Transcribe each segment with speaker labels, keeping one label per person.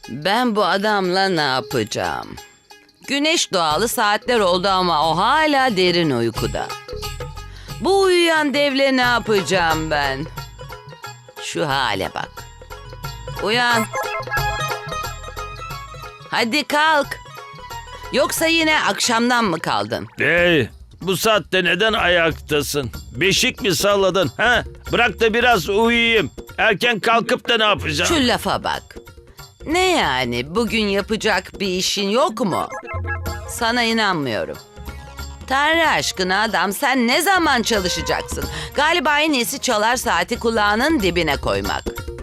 Speaker 1: Ben bu adamla ne yapacağım? Güneş doğalı saatler oldu ama o hala derin uykuda. Bu uyuyan devle ne yapacağım ben? Şu hale bak. Uyan. Hadi kalk. Yoksa yine akşamdan mı kaldın?
Speaker 2: Hey, bu saatte neden ayaktasın? Beşik mi salladın? Ha? Bırak da biraz uyuyayım. Erken kalkıp da ne yapacağım?
Speaker 1: Şu lafa bak. Ne yani, bugün yapacak bir işin yok mu? Sana inanmıyorum. Tanrı aşkına adam, sen ne zaman çalışacaksın? Galiba en iyisi çalar saati kulağının dibine koymak.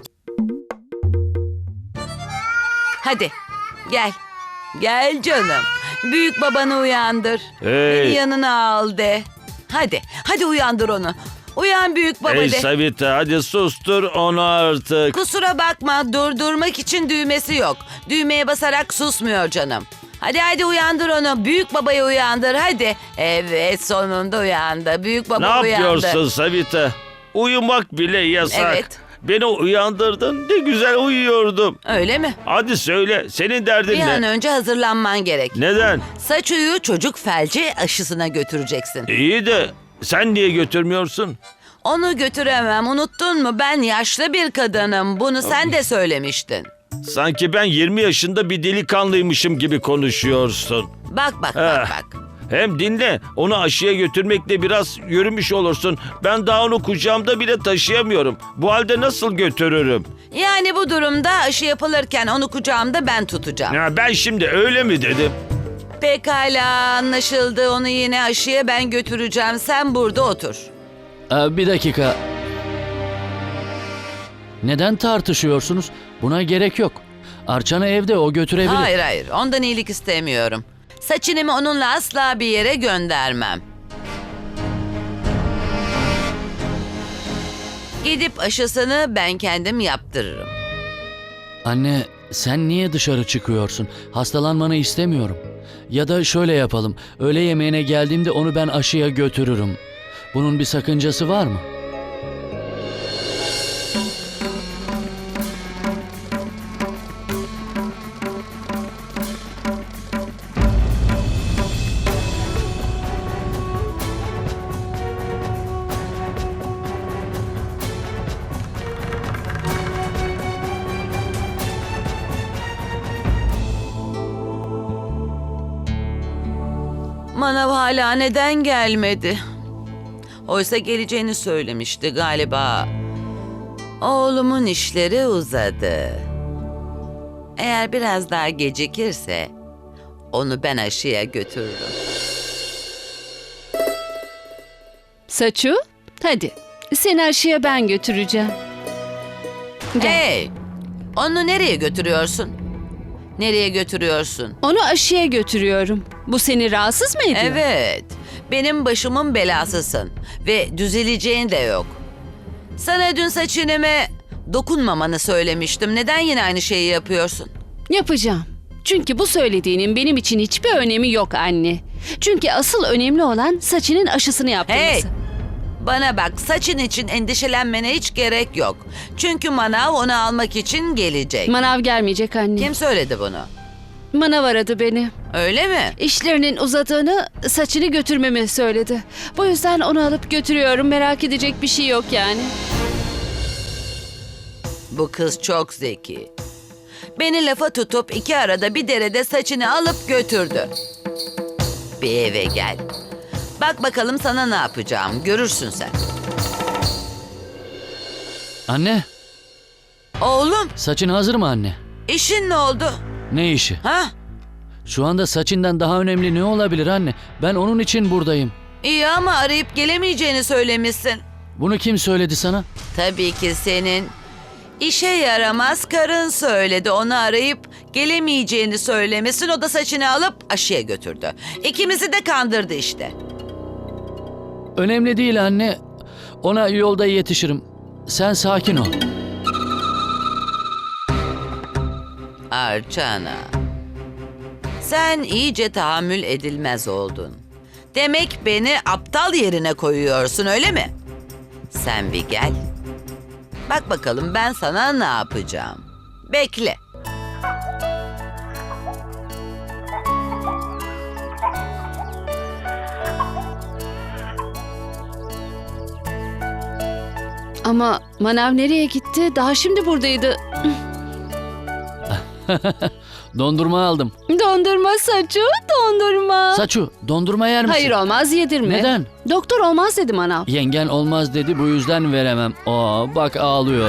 Speaker 1: Hadi gel. Gel canım. Büyük babanı uyandır.
Speaker 2: Hey.
Speaker 1: Beni yanına al de. Hadi uyandır onu. Uyan büyük baba
Speaker 2: Hey
Speaker 1: de.
Speaker 2: Savita, hadi sustur onu artık.
Speaker 1: Kusura bakma, durdurmak için düğmesi yok. Düğmeye basarak susmuyor canım. Hadi uyandır onu. Büyük babayı uyandır hadi. Evet, sonunda uyandı. Büyük baba
Speaker 2: Ne
Speaker 1: uyandı.
Speaker 2: yapıyorsun Savita? Uyumak bile yasak.
Speaker 1: Evet.
Speaker 2: Beni uyandırdın. Ne güzel uyuyordum.
Speaker 1: Öyle mi?
Speaker 2: Hadi söyle, senin derdin
Speaker 1: Bir an
Speaker 2: ne?
Speaker 1: önce hazırlanman gerek.
Speaker 2: Neden?
Speaker 1: Saçuyu çocuk felci aşısına götüreceksin.
Speaker 2: İyi de sen niye götürmüyorsun?
Speaker 1: Onu götüremem, unuttun mu? Ben yaşlı bir kadınım. Bunu sen de söylemiştin.
Speaker 2: Sanki ben 20 yaşında bir delikanlıymışım gibi konuşuyorsun.
Speaker 1: Bak.
Speaker 2: Hem dinle, onu aşıya götürmekle biraz yürümüş olursun. Ben daha onu kucağımda bile taşıyamıyorum. Bu halde nasıl götürürüm?
Speaker 1: Yani bu durumda aşı yapılırken onu kucağımda ben tutacağım.
Speaker 2: Ya ben şimdi öyle mi dedim?
Speaker 1: Pekala, anlaşıldı. Onu yine aşıya ben götüreceğim. Sen burada otur.
Speaker 3: Bir dakika. Neden tartışıyorsunuz? Buna gerek yok. Arçan'ı evde o götürebilir.
Speaker 1: Hayır. Ondan iyilik istemiyorum. Saçınımı onunla asla bir yere göndermem. Gidip aşısını ben kendim yaptırırım.
Speaker 3: Anne, sen niye dışarı çıkıyorsun? Hastalanmanı istemiyorum. Ya da şöyle yapalım. Öğle yemeğine geldiğimde onu ben aşıya götürürüm. Bunun bir sakıncası var mı?
Speaker 1: Manav hala neden gelmedi? Oysa geleceğini söylemişti galiba. Oğlumun işleri uzadı. Eğer biraz daha gecikirse onu ben aşıya götürürüm.
Speaker 4: Saçu, hadi. Seni aşıya ben götüreceğim. Gel.
Speaker 1: Hey! Onu nereye götürüyorsun? Nereye götürüyorsun?
Speaker 4: Onu aşıya götürüyorum. Bu seni rahatsız mı ediyor?
Speaker 1: Evet. Benim başımın belasısın. Ve düzeleceğin de yok. Sana dün saçınıma dokunmamanı söylemiştim. Neden yine aynı şeyi yapıyorsun?
Speaker 4: Yapacağım. Çünkü bu söylediğinin benim için hiçbir önemi yok anne. Çünkü asıl önemli olan saçının aşısını yaptırması.
Speaker 1: Hey! Bana bak, saçın için endişelenmene hiç gerek yok. Çünkü manav onu almak için gelecek.
Speaker 4: Manav gelmeyecek anne.
Speaker 1: Kim söyledi bunu?
Speaker 4: Manav aradı beni.
Speaker 1: Öyle mi?
Speaker 4: İşlerinin uzadığını, saçını götürmemi söyledi. Bu yüzden onu alıp götürüyorum. Merak edecek bir şey yok yani.
Speaker 1: Bu kız çok zeki. Beni lafa tutup iki arada bir derede saçını alıp götürdü. Bir eve gel. Bak bakalım sana ne yapacağım. Görürsün sen.
Speaker 3: Anne,
Speaker 1: Oğlum,
Speaker 3: saçın hazır mı anne?
Speaker 1: işin ne oldu?
Speaker 3: Ne işi?
Speaker 1: Ha?
Speaker 3: Şu anda saçından daha önemli ne olabilir anne? Ben onun için buradayım.
Speaker 1: İyi ama arayıp gelemeyeceğini söylemişsin.
Speaker 3: Bunu kim söyledi sana?
Speaker 1: Tabii ki senin işe yaramaz karın söyledi. Onu arayıp gelemeyeceğini söylemişsin. O da saçını alıp aşıya götürdü. İkimizi de kandırdı işte.
Speaker 3: Önemli değil anne. Ona yolda yetişirim. Sen sakin ol.
Speaker 1: Arçana, sen iyice tahammül edilmez oldun. Demek beni aptal yerine koyuyorsun, öyle mi? Sen bir gel. Bak bakalım ben sana ne yapacağım. Bekle.
Speaker 4: Ama Manav nereye gitti? Daha şimdi buradaydı.
Speaker 3: Dondurma aldım.
Speaker 4: Dondurma Saçu, dondurma.
Speaker 3: Saçu, dondurma yer misin?
Speaker 4: Hayır olmaz, yedirme.
Speaker 3: Neden?
Speaker 4: Doktor olmaz dedi Manav.
Speaker 3: Yengen olmaz dedi, bu yüzden veremem. Aa, bak ağlıyor.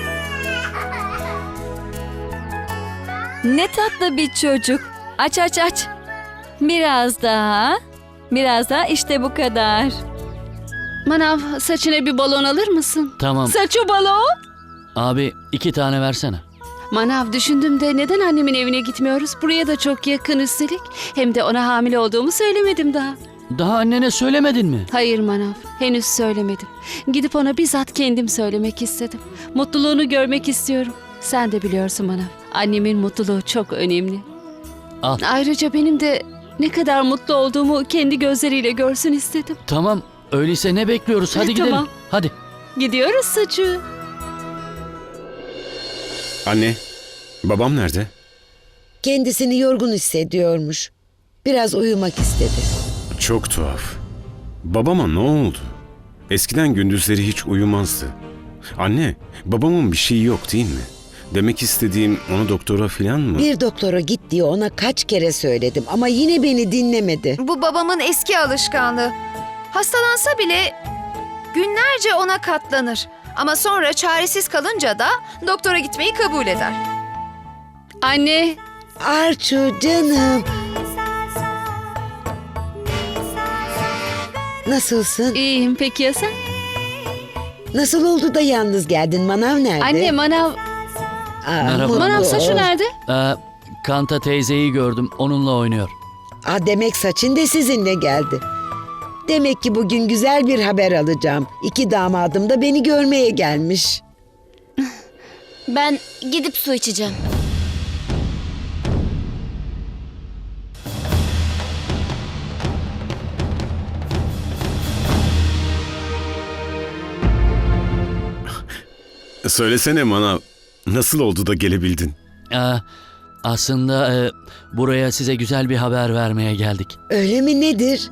Speaker 5: Ne tatlı bir çocuk. Aç aç aç. Biraz daha. Biraz daha, işte bu kadar.
Speaker 4: Manav, saçına bir balon alır mısın?
Speaker 3: Tamam.
Speaker 4: Saçu balon.
Speaker 3: Abi 2 tane versene.
Speaker 4: Manav, düşündüm de neden annemin evine gitmiyoruz? Buraya da çok yakın üstelik. Hem de ona hamile olduğumu söylemedim daha.
Speaker 3: Daha annene söylemedin mi?
Speaker 4: Hayır Manav, henüz söylemedim. Gidip ona bizzat kendim söylemek istedim. Mutluluğunu görmek istiyorum. Sen de biliyorsun Manav, annemin mutluluğu çok önemli.
Speaker 3: Al.
Speaker 4: Ayrıca benim de ne kadar mutlu olduğumu kendi gözleriyle görsün istedim.
Speaker 3: Tamam. Öyleyse ne bekliyoruz? Hadi gidelim.
Speaker 4: Tamam.
Speaker 3: Hadi.
Speaker 4: Gidiyoruz Saçu.
Speaker 6: Anne, babam nerede?
Speaker 7: Kendisini yorgun hissediyormuş. Biraz uyumak istedi.
Speaker 6: Çok tuhaf. Babama ne oldu? Eskiden gündüzleri hiç uyumazdı. Anne, babamın bir şeyi yok değil mi? Demek istediğim onu doktora filan mı?
Speaker 7: Bir doktora git diye ona kaç kere söyledim ama yine beni dinlemedi.
Speaker 8: Bu babamın eski alışkanlığı. Hastalansa bile günlerce ona katlanır. Ama sonra çaresiz kalınca da doktora gitmeyi kabul eder.
Speaker 4: Anne,
Speaker 7: Arçu canım. Nasılsın?
Speaker 4: iyiyim, peki ya sen?
Speaker 7: Nasıl oldu da yalnız geldin? Manav nerede?
Speaker 4: Anne, Manav,
Speaker 3: Merhaba.
Speaker 7: mutlu
Speaker 4: Manav
Speaker 7: ol.
Speaker 4: Saçu nerede?
Speaker 3: Kanta teyzeyi gördüm. Onunla oynuyor.
Speaker 7: Demek Saçın de sizinle geldi. Demek ki bugün güzel bir haber alacağım. 2 damadım da beni görmeye gelmiş.
Speaker 9: Ben gidip su içeceğim.
Speaker 6: Söylesene Manav, nasıl oldu da gelebildin?
Speaker 3: Aslında buraya size güzel bir haber vermeye geldik.
Speaker 7: Öyle mi, nedir?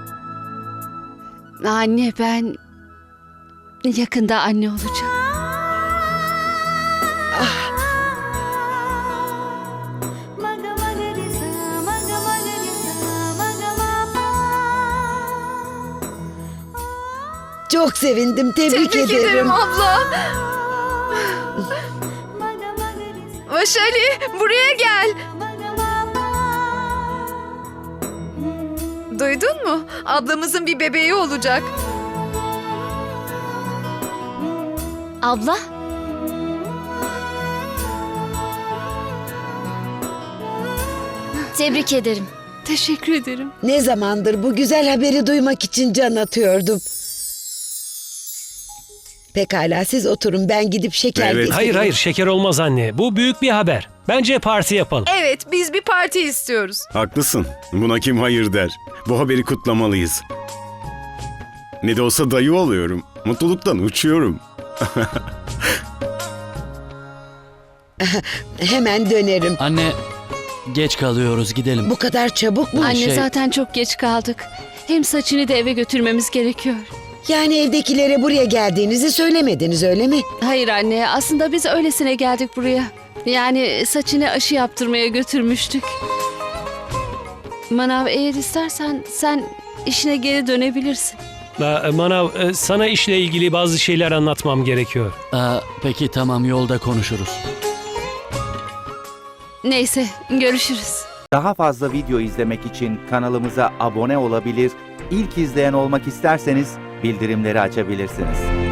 Speaker 4: Anne, ben yakında anne olacağım.
Speaker 7: Çok sevindim, tebrik ederim.
Speaker 8: abla. Vaşali, buraya gel. Duydun mu? Ablamızın bir bebeği olacak.
Speaker 9: Abla, tebrik ederim.
Speaker 4: Teşekkür ederim.
Speaker 7: Ne zamandır bu güzel haberi duymak için can atıyordum. Pekala, siz oturun, ben gidip şeker
Speaker 6: Evet.
Speaker 7: getireyim.
Speaker 10: Hayır hayır, şeker olmaz anne. Bu büyük bir haber. Bence parti yapalım.
Speaker 8: Evet, biz bir parti istiyoruz.
Speaker 6: Haklısın, buna kim hayır der? Bu haberi kutlamalıyız. Ne de olsa dayı oluyorum. Mutluluktan uçuyorum.
Speaker 7: Hemen dönerim.
Speaker 3: Anne, geç kalıyoruz, gidelim.
Speaker 7: Bu kadar çabuk mu?
Speaker 4: Anne,
Speaker 3: şey-
Speaker 4: zaten çok geç kaldık. Hem Saçını da eve götürmemiz gerekiyor.
Speaker 7: Yani evdekilere buraya geldiğinizi söylemediniz, öyle mi?
Speaker 4: Hayır anne, aslında biz öylesine geldik buraya. Yani Saçını aşı yaptırmaya götürmüştük. Manav, eğer istersen sen işine geri dönebilirsin.
Speaker 10: Manav, sana işle ilgili bazı şeyler anlatmam gerekiyor.
Speaker 3: Peki tamam, yolda konuşuruz.
Speaker 4: Neyse, görüşürüz.
Speaker 11: Daha fazla video izlemek için kanalımıza abone olabilir, ilk izleyen olmak isterseniz bildirimleri açabilirsiniz.